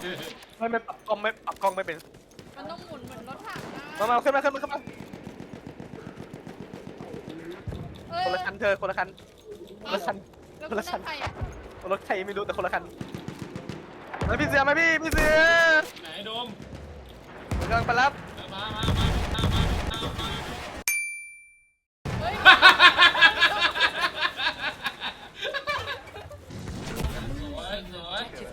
ไม่ปรับกล้องไม่เป็นมันต้องหมุนเหมือนรถถังนะมาขึ้นมาเอ้ยคนละคันเธอคนละคันแล้วคุณได้ใครอ่ะรถใครไม่รู้แต่คนละคันมาพี่เสือมาพี่เสือไหนโดมกำลังไปรับมาเฮ้ยสวย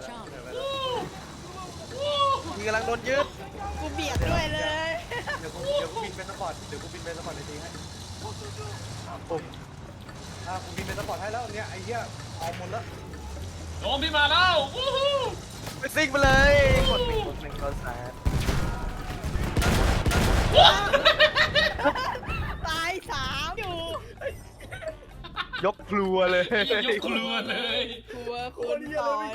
พี่กำลังโดนยึดกูเบียดด้วยเลยเดี๋ยวกูบินเป็นสปอร์ตในทีให้ผมกูบินเป็นสปอร์ตให้แล้วเนี่ยไอ้เหี้ยเอาหมดแล้วโดมพี่มาแล้ววู้ฮู้ไปซิ่งไปเลยกดหนึ่งกดสามตายสามอยู่ยกครัวเลยยกครัวเลยกลัวคุณต่อย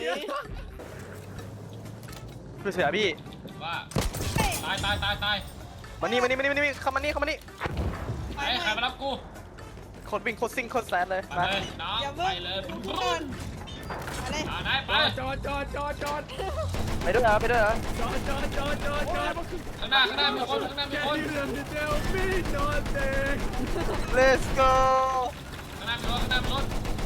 พี่เสือพี่ว่าตายมานี่เข้ามานี่ไหนใครมารับกูโคตรวิ่งโคตรซิ่งโคตรแซดเลยไปมาเลยน้องไปเลยก่อนอะไรไหนไปจอดไปด้วยเหรอข้างหน้ามีคน let's go ข้างหน้ามีรถ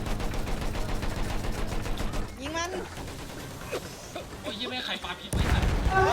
ยิงมันโอ้ยยี่ไม่ไข่ปลาพิษไม่ทัน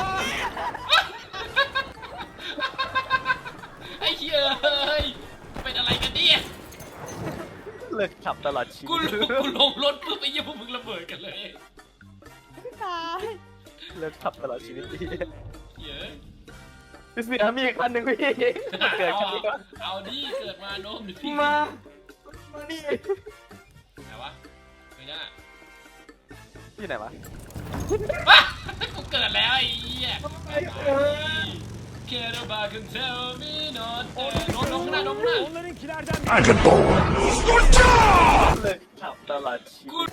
ไอ้เหี้ยเอ้ยเป็นอะไรกันเนี่ยเลิกขับตลอดชีวิตกูลงรถปุ๊บไอ้เหี้ยพวกมึงระเบิดกันเลยตายเลิกขับตลอดชีวิตพี่เยอะพี่เสือมีอีกคันหนึ่งพี่เกิดคันนี้ก็เอาดิเกิดมาโน้มดิพี่มานี่ไหนวะไม่ได้ที่ไหนวะกูเกิดแล้วไอ้เหี้ยแค่เราบากันเทลมีนอตลงข้างหน้าเลิกขับตลอดชีวิต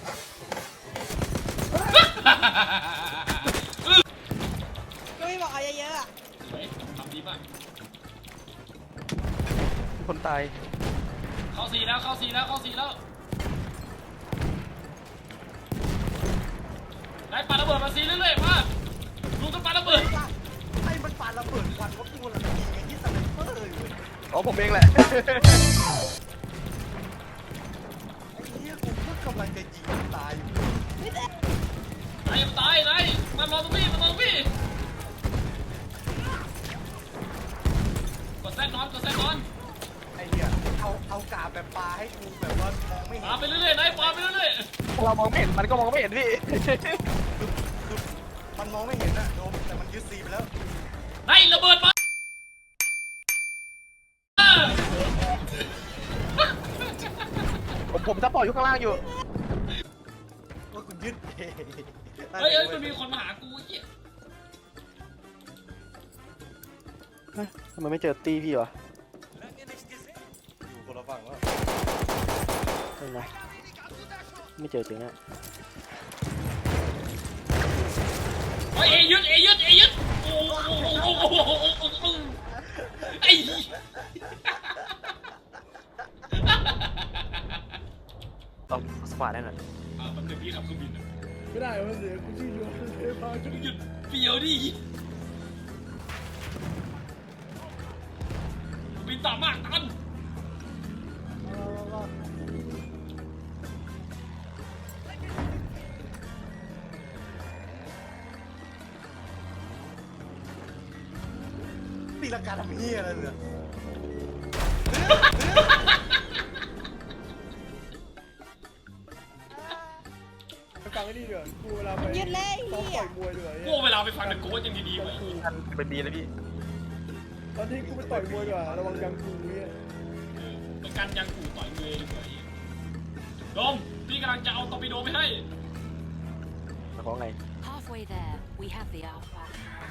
ก็ไม่บอกเอาเยอะๆอ่ะสวยทำดีมากคนตายเข้าสี่แล้วได้ปาระเบิดมาซีเรื่อยๆมาดูกันปาระเบิดให้มันปาระเบิดควันเขาตัวละทีไอ้ที่สไนเปอร์เลยอ๋อผมเองแหละไอ้เหี้ยกูก็กำลังจะยิงตายอยู่ไอ้ยังตายไหนมารอตรงพี่กดแซนนอนไอ้เหี้ยเอากาบแบบปลาให้กูแบบว่ามองไม่เห็ปาน ไปเรื่อยๆไหนปาไปเรื่อยเรามองไม่เห็นมันก็มองไม่เห็นพี่คือมันมองไม่เห็นอะโดมแต่มันยึดซีไปแล้วๆไหนระเบิดมาผมซัพพอร์ตอยู่ข้างล่างอยู่ว่ากูยึดเองเฮ้ยมันมีคนมาหากูไอ้เหี้ยทำไมไม่เจอตีพี่วะอยู่คนละฝั่งแล้วไม่นะไม่เจอจริงอะเฮ้ยเอยึดโอ้ไอ้ต้องสปาร์ได้หน่อยมันเป็นพี่ขับเครื่องบินไม่ได้มันเสียกูชื่อยูเทพาจุดหยุดเปียวดิบินต่ำมากตันตีลังกาทำเหี้ยอะไรเนี่ยฟังไอ้นี่เดี๋ยวกูเวลาไปยืดเลยซ้อมเฮีต่ยอยมวยดีกว่ากูเวลาไปฟังเดอะโกสยังดีๆไว้ท่านเป็นบีเลยพี่ตอนที่กูไปต่อยมวยดีกว่าระวังยังกูเนี่ยประกันยังกูต่อยมือดีกว่าโดมพี่กำลังจะเอาตอร์ปิโดไปให้แต่ของไง Halfway there, we have the Alpha.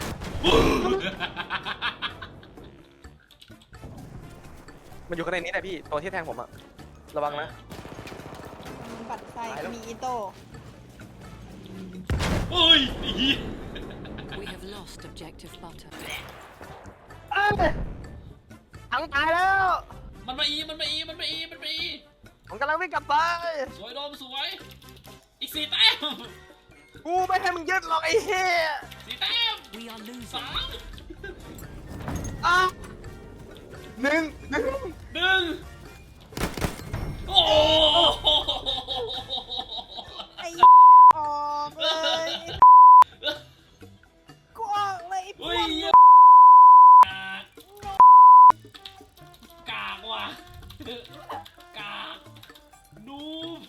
มันอยู่ข้างในนี้แหละพี่ตัวที่แทงผมอะระวังนะบัตรไฟมีอิโต้เฮ้ยไอ้เหี้ย We have lost objective butter. ทั้งตายแล้วมันมาอีผมกำลังวิ่งกลับไปสวยโดมสวย อีก4 แต้มกูไม่ให้มึงยึดหรอกไอ้เหี้ยสีแต้ม We are losing. สามอ้าวหนึ่งหนึ่งโอ้โหไอ้ออกเลยกูออกเลยไอ้พวเฮ้ยกเหี้ยกากว่ะกากนูบ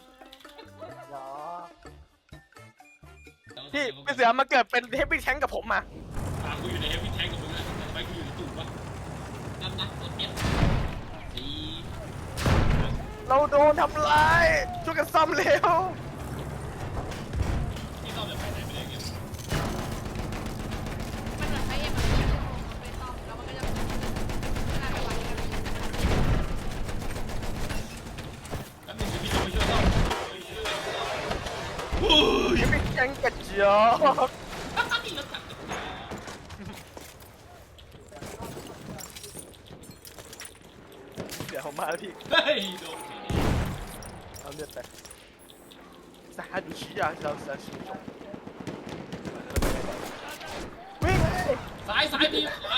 พี่เสือมาเกิดเป็นเฮฟวี่แทงกับผมมากูอยู่ในเฮฟวี่แทงกับมึงนะทำไมกูอยู่ในตู้วะนั่นนะรถเอฟสี่เราโดนทำร้ายช่วยกันซ่อมเร็วที่ซ่อมแบบไปไหนไม่ได้เงี้ยมันเหมือนไฟเอ็มอะไรอย่างเงี้ยมันไปซ่อมแล้วมันก็จะน่าไปวันกันแล้วมึงจะพี่จะไปช่วยซ่อมโอ้ยเฮฟวี่แทงกระจอกมีรถถังเดี๋ยวผมมาแล้วพี่เฮ้ยโดนเอาเลือดไปสหดูชิยาเราสาชิจงวิ่งเลยซ้ายซ้ายมี